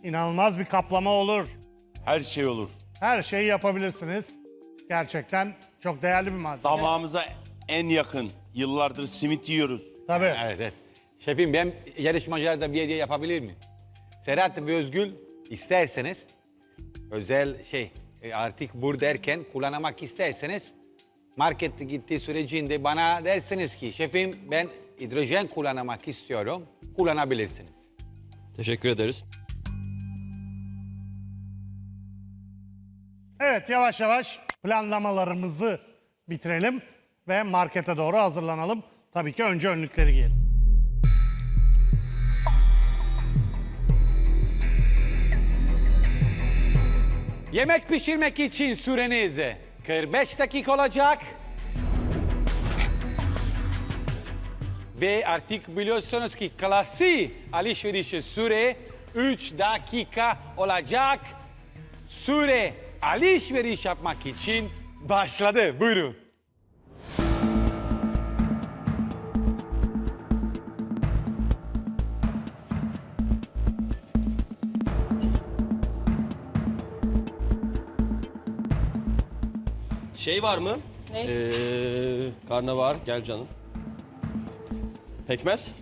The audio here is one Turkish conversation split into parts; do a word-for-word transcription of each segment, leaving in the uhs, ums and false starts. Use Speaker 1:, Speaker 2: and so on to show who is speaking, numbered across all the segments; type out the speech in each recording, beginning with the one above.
Speaker 1: İnanılmaz bir kaplama olur.
Speaker 2: Her şey olur.
Speaker 1: Her şeyi yapabilirsiniz. Gerçekten çok değerli bir malzeme.
Speaker 2: Damağımıza en yakın. Yıllardır simit yiyoruz.
Speaker 1: Tabii.
Speaker 3: Evet, evet. Şefim ben yarışmacılara da bir hediye yapabilir miyim? Serhat ve Özgül isterseniz özel şey e, artık buradayken kullanmak isterseniz markette gittiği sürecinde bana dersiniz ki şefim ben hidrojen kullanmak istiyorum. Kullanabilirsiniz.
Speaker 4: Teşekkür ederiz.
Speaker 1: Evet, yavaş yavaş planlamalarımızı bitirelim ve markete doğru hazırlanalım. Tabii ki önce önlükleri giyelim.
Speaker 3: Yemek pişirmek için süreniz kırk beş dakika olacak. Ve artık biliyorsunuz ki klasi alışveriş süre üç dakika olacak. Süre alışveriş yapmak için başladı. Buyurun.
Speaker 4: Şey var mı?
Speaker 5: Ne?
Speaker 4: Ee, karnabahar, gel canım. Pekmez.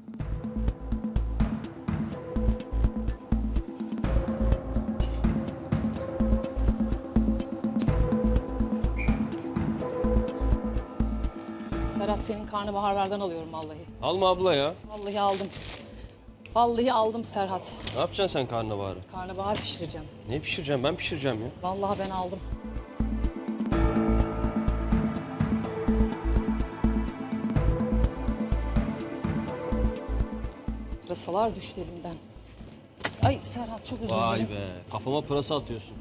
Speaker 5: Serhat senin karnabaharlardan alıyorum vallahi.
Speaker 4: Alma abla ya.
Speaker 5: Vallahi aldım. Vallahi aldım Serhat.
Speaker 4: Ne yapacaksın sen karnabaharı?
Speaker 5: Karnabahar pişireceğim.
Speaker 4: Ne pişireceğim? Ben pişireceğim ya.
Speaker 5: Vallahi ben aldım. Pırasalar düştü elimden. Ay Serhat çok özür
Speaker 4: Vay
Speaker 5: dilerim.
Speaker 4: be. Kafama pırasa atıyorsun.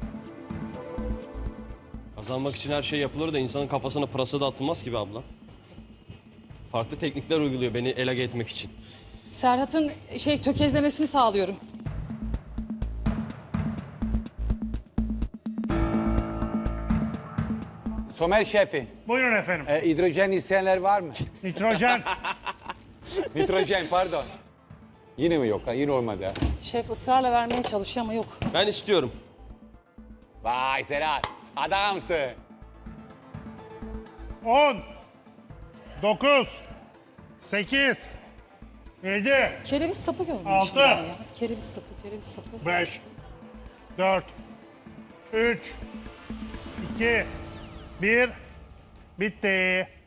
Speaker 4: Kazanmak için her şey yapılır da insanın kafasına pırasa da atılmaz ki be abla. Farklı teknikler uyguluyor beni elage etmek için.
Speaker 5: Serhat'ın şey tökezlemesini sağlıyorum.
Speaker 3: Somer şefi,
Speaker 1: Buyurun efendim.
Speaker 3: e, hidrojen isteyenler var mı?
Speaker 1: Nitrojen.
Speaker 3: Nitrojen pardon. Yine mi yok? Ha? Yine olmadı. Ha?
Speaker 5: Şef ısrarla vermeye çalışıyor ama yok.
Speaker 4: Ben istiyorum.
Speaker 3: Vay Serhat, adamsın.
Speaker 1: on, dokuz, sekiz, yedi,
Speaker 5: Kereviz sapı görmüşüm
Speaker 1: Altı.
Speaker 5: ben ya. Kereviz sapı, kereviz sapı.
Speaker 1: beş, dört, üç, iki, bir. Bitti.